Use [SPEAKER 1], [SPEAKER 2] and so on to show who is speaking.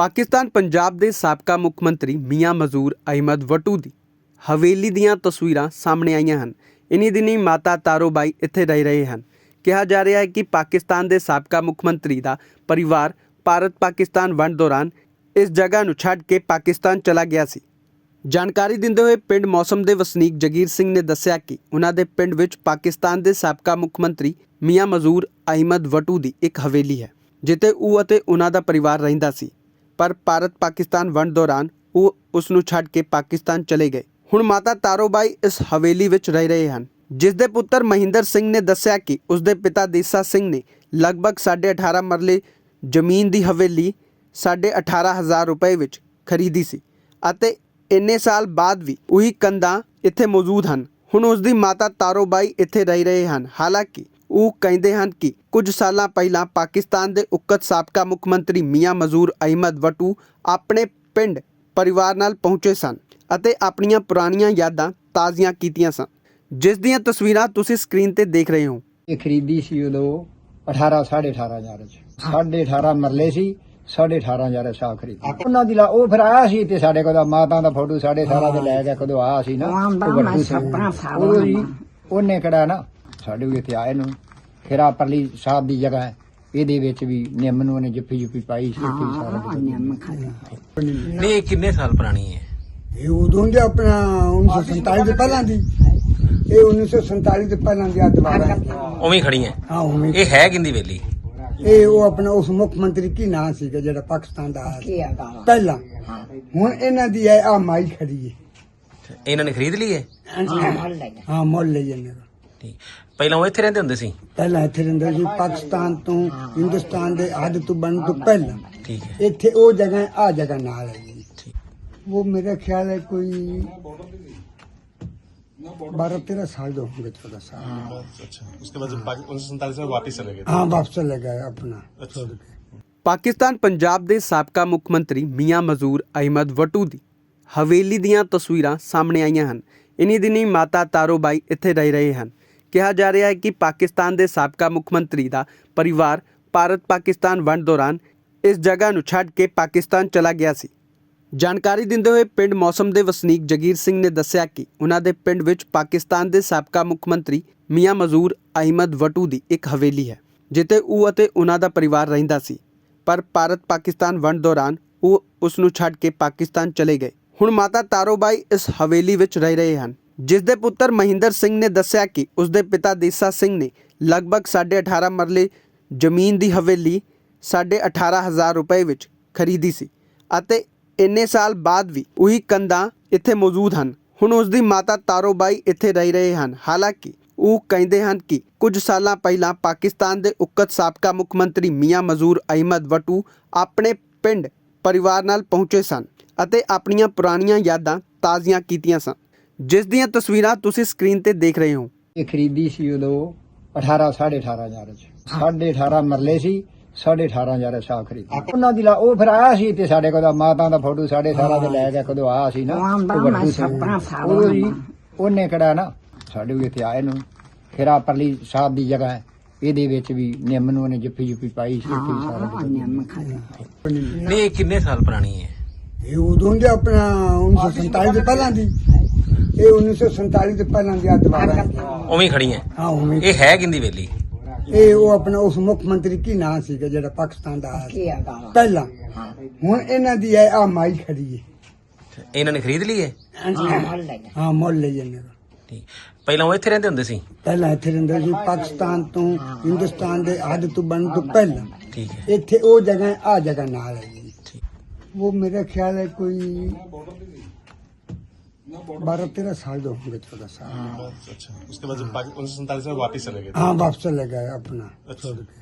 [SPEAKER 1] पाकिस्तान पंजाब के साबका मुख मंत्री मियां मजूर अहमद वटू की हवेली दीयां तस्वीरां सामने आईयां हन। इन्हीं दिनी माता तारो बाई इत्थे रह रहे हैं। कहा जा रहा है कि पाकिस्तान के साबका मुख मंत्री का परिवार भारत पाकिस्तान वंड दौरान इस जगह नूं छड्ड के पाकिस्तान चला गया सी। जानकारी दिंदे हुए पिंड मौसम के वसनीक जगीर सिंह ने दस्सिया कि उन्हां दे पिंड विच पाकिस्तान के साबका मुख मंत्री मियां मजूर अहमद वटू की एक हवेली है, जिते ਉਹ ਅਤੇ ਉਹਨਾਂ ਦਾ ਪਰਿਵਾਰ ਰਹਿੰਦਾ ਸੀ। पर भारत पाकिस्तान वंड दौरान वो उसनूं छड्ड के पाकिस्तान चले गए। हुण माता तारो बाई इस हवेली विच रह रहे हैं, जिस दे पुत्र महिंदर सिंह ने दस्सिया कि उसके पिता देसा सिंह ने लगभग 18.5 मरले जमीन की हवेली 18,500 रुपए विच खरीदी सी अते इन्ने साल बाद भी उही कंधां इत्थे मौजूद हैं। हुण उसकी माता तारो बाई इत्थे रह रहे हैं। हालांकि ਉਹ ਕਹਿੰਦੇ ਹਨ ਕਿ ਕੁਝ ਸਾਲਾਂ ਪਹਿਲਾਂ ਪਾਕਿਸਤਾਨ ਦੇ ਉਕਤ ਸਾਬਕਾ ਮੁੱਖ ਮੰਤਰੀ ਮੀਆਂ ਮਜ਼ੂਰ ਅਹਿਮਦ ਵਟੂ ਆਪਣੇ ਪਿੰਡ ਪਰਿਵਾਰ ਨਾਲ ਪਹੁੰਚੇ ਸਨ ਅਤੇ ਆਪਣੀਆਂ ਪੁਰਾਣੀਆਂ ਯਾਦਾਂ ਤਾਜ਼ੀਆਂ ਕੀਤੀਆਂ ਸਨ, ਜਿਸ ਦੀਆਂ ਤਸਵੀਰਾਂ ਤੁਸੀਂ ਸਕਰੀਨ ਤੇ ਦੇਖ ਰਹੇ ਹੋ।
[SPEAKER 2] ਇਹ ਖਰੀਦੀ ਸੀ ਉਦੋਂ 18,500 ਚ 18.5 ਮਰਲੇ ਸੀ 18,500 ਸਾਹ ਖਰੀਦੀ ਉਹਨਾਂ ਦੀ। ਉਹ ਫਿਰ ਆਇਆ ਸੀ ਤੇ ਸਾਡੇ ਕੋਲ ਮਾਤਾ ਦਾ ਫੋਟੋ 18.5 ਦੇ ਲੈ ਗਿਆ ਕਦੋਂ ਆਇਆ ਸੀ ਨਾ ਉਹਨੇ ਕਿਹੜਾ ਨਾ ਸਾਡੇ ਵੀ ਇੱਥੇ ਆਏ ਨੂੰ। ਫਿਰ ਆ ਪਰਲੀ ਸਾਹਿਬ ਦੀ ਜਗ੍ਹਾ ਹੈ, ਇਹਦੇ ਵਿੱਚ ਵੀ ਨਿੰਮ ਨੂੰ ਉਹਨੇ ਜੱਫੀ ਪਾਈ ਸੀ।
[SPEAKER 3] ਨਹੀਂ ਇਹ ਕਿੰਨੇ ਸਾਲ ਪੁਰਾਣੀ ਹੈ?
[SPEAKER 4] ਇਹ ਉਦੋਂ ਦੇ ਆਪਣਾ 1947 ਤੋਂ ਪਹਿਲਾਂ ਦੀ। ਇਹ 1947 ਤੋਂ ਪਹਿਲਾਂ ਦੀ ਦੁਬਾਰਾ
[SPEAKER 3] ਉਵੇਂ ਖੜੀ ਹੈ।
[SPEAKER 4] ਹਾਂ ਉਵੇਂ।
[SPEAKER 3] ਇਹ ਹੈ ਕਿੰਦੀ ਵੇਲੀ?
[SPEAKER 4] ਇਹ ਉਹ ਆਪਣਾ ਉਸ ਮੁੱਖ ਮੰਤਰੀ ਕੀ ਨਾਂ ਸੀਗਾ ਜਿਹੜਾ ਪਾਕਿਸਤਾਨ ਦਾ ਪਹਿਲਾਂ। ਹੁਣ ਇਹਨਾਂ ਦੀ ਹੈ ਆ ਮਾਈ ਖੜੀ ਹੈ।
[SPEAKER 3] ਇਹਨਾਂ ਨੇ ਖਰੀਦ ਲਈ ਹੈ?
[SPEAKER 4] ਹਾਂ ਮੁੱਲ ਲਈ ਇਹਨੇ।
[SPEAKER 3] ਠੀਕ। ਪਹਿਲਾਂ ਉਹ ਇੱਥੇ ਰਹਿੰਦੇ ਹੁੰਦੇ ਸੀ?
[SPEAKER 4] ਪਹਿਲਾਂ ਇੱਥੇ ਰਹਿੰਦੇ ਸੀ ਪਾਕਿਸਤਾਨ ਤੋਂ ਹਿੰਦੁਸਤਾਨ ਦੇ ਹੱਦ ਤੋਂ ਬਣਨ ਤੋਂ ਪਹਿਲਾਂ।
[SPEAKER 3] ਠੀਕ ਹੈ।
[SPEAKER 4] ਇੱਥੇ ਉਹ ਜਗ੍ਹਾ ਆ ਜਗ੍ਹਾ ਨਾਲ ਹੈ ਜੀ।
[SPEAKER 3] ਠੀਕ।
[SPEAKER 4] वो मेरा ख्याल है कोई 12-13 साल जो होंगे, 14 साल।
[SPEAKER 5] अच्छा, उसके बाद 1947 में वापस चले गए?
[SPEAKER 4] हाँ वापस चले गए अपना छोड़ के।
[SPEAKER 1] पाकिस्तान पंजाब के साबका मुख मंत्री मियां मजूर अहमद वटू की हवेली दीयां तस्वीरां सामने आईयां हन। इन्हीं दिनी माता तारो बाई इत्थे रह रहे हैं। कहा जा रहा है कि पाकिस्तान के साबका मुख मंत्री का परिवार भारत पाकिस्तान वंड दौरान इस जगह नूं छड्ड के पाकिस्तान चला गया सी। जानकारी दिंदे हुए पिंड मौसम के वसनीक जगीर सिंह ने दस्सिया कि उन्हां दे पिंड विच पाकिस्तान के साबका मुख मंत्री मियां मजूर अहमद वटू की एक हवेली है, जिते ਉਹ ਅਤੇ ਉਹਨਾਂ ਦਾ ਪਰਿਵਾਰ ਰਹਿੰਦਾ ਸੀ। पर भारत पाकिस्तान वंड दौरान ਉਹ उसनूं छड्ड के पाकिस्तान चले गए। हुण माता तारो बाई इस हवेली विच रह रहे हैं, जिस दे पुत्र महिंदर सिंह ने दस्सिया कि उसके पिता देसा सिंह ने लगभग 18.5 मरले जमीन की हवेली 18,500 रुपए विच खरीदी सी अते इन्ने साल बाद भी उही कंधां इत्थे मौजूद हैं। हुण उसकी माता तारो बाई इत्थे रह रहे हैं। हालांकि ਉਹ ਕਹਿੰਦੇ ਹਨ ਕਿ ਕੁਝ ਸਾਲਾਂ ਪਹਿਲਾਂ ਪਾਕਿਸਤਾਨ ਦੇ ਉਕਤ ਸਾਬਕਾ ਮੁੱਖ ਮੰਤਰੀ ਮੀਆਂ ਮਜ਼ੂਰ ਅਹਿਮਦ ਵਟੂ ਆਪਣੇ ਪਿੰਡ ਪਰਿਵਾਰ ਨਾਲ ਪਹੁੰਚੇ ਸਨ ਅਤੇ ਆਪਣੀਆਂ ਪੁਰਾਣੀਆਂ ਯਾਦਾਂ ਤਾਜ਼ੀਆਂ ਕੀਤੀਆਂ ਸਨ, ਜਿਸ ਦੀਆਂ ਤਸਵੀਰਾਂ ਤੁਸੀਂ ਸਕਰੀਨ ਤੇ ਦੇਖ ਰਹੇ ਹੋ।
[SPEAKER 2] ਇਹ ਖਰੀਦੀ ਸੀ ਉਦੋਂ 18,500 ਚ 18.5 ਮਰਲੇ ਸੀ 18,500 ਸਾਹ ਖਰੀਦੀ ਉਹਨਾਂ ਦੀ। ਉਹ ਫਿਰ ਆਇਆ ਸੀ ਤੇ ਸਾਡੇ ਕੋਲ ਮਾਤਾ ਦਾ ਫੋਟੋ 18.5 ਦੇ ਲੈ ਗਿਆ ਕਦੋਂ ਆਇਆ ਸੀ ਨਾ ਉਹਨੇ ਕਿਹੜਾ ਨਾ ਸਾਡੇ ਵੀ ਇੱਥੇ ਆਏ ਨੂੰ। ਫਿਰ ਆ ਪਰਲੀ ਸਾਹਿਬ ਦੀ ਜਗ੍ਹਾ ਹੈ, ਇਹਦੇ ਵਿੱਚ ਵੀ ਨਿੰਮ ਨੂੰ ਉਹਨੇ ਜੱਫੀ ਪਾਈ ਸੀ।
[SPEAKER 3] ਨਹੀਂ ਇਹ ਕਿੰਨੇ ਸਾਲ ਪੁਰਾਣੀ ਹੈ?
[SPEAKER 4] ਇਹ ਉਦੋਂ ਦੇ ਆਪਣਾ 1947 ਤੋਂ ਪਹਿਲਾਂ ਦੀ। ਇਹ 1947 ਤੋਂ ਪਹਿਲਾਂ ਦੀ ਦੁਬਾਰਾ
[SPEAKER 3] ਉਵੇਂ ਖੜੀ ਹੈ।
[SPEAKER 4] ਹਾਂ ਉਵੇਂ।
[SPEAKER 3] ਇਹ ਹੈ ਕਿੰਦੀ ਵੇਲੀ?
[SPEAKER 4] ਇਹ ਉਹ ਆਪਣਾ ਉਸ ਮੁੱਖ ਮੰਤਰੀ ਕੀ ਨਾਂ ਸੀਗਾ ਜਿਹੜਾ ਪਾਕਿਸਤਾਨ ਦਾ ਪਹਿਲਾਂ। ਹੁਣ ਇਹਨਾਂ ਦੀ ਹੈ ਆ ਮਾਈ ਖੜੀ ਹੈ।
[SPEAKER 3] ਇਹਨਾਂ ਨੇ ਖਰੀਦ ਲਈ ਹੈ?
[SPEAKER 4] ਹਾਂ ਮੁੱਲ ਲਈ ਇਹਨੇ।
[SPEAKER 3] ਠੀਕ। ਪਹਿਲਾਂ ਉਹ ਇੱਥੇ ਰਹਿੰਦੇ ਹੁੰਦੇ ਸੀ?
[SPEAKER 4] ਪਹਿਲਾਂ ਇੱਥੇ ਰਹਿੰਦੇ ਸੀ ਪਾਕਿਸਤਾਨ ਤੋਂ ਹਿੰਦੁਸਤਾਨ ਦੇ ਹੱਦ ਤੋਂ ਬਣਨ ਤੋਂ ਪਹਿਲਾਂ।
[SPEAKER 3] ਠੀਕ ਹੈ।
[SPEAKER 4] ਇੱਥੇ ਉਹ ਜਗ੍ਹਾ ਆ ਜਗ੍ਹਾ ਨਾਲ ਹੈ ਜੀ।
[SPEAKER 3] ਠੀਕ।
[SPEAKER 4] वो मेरा ख्याल है कोई 12-13 साल जो होंगे, 14 साल।
[SPEAKER 5] अच्छा, उसके बाद 1947 में वापस चले गए?
[SPEAKER 4] हाँ वापस चले गए अपना छोड़ के।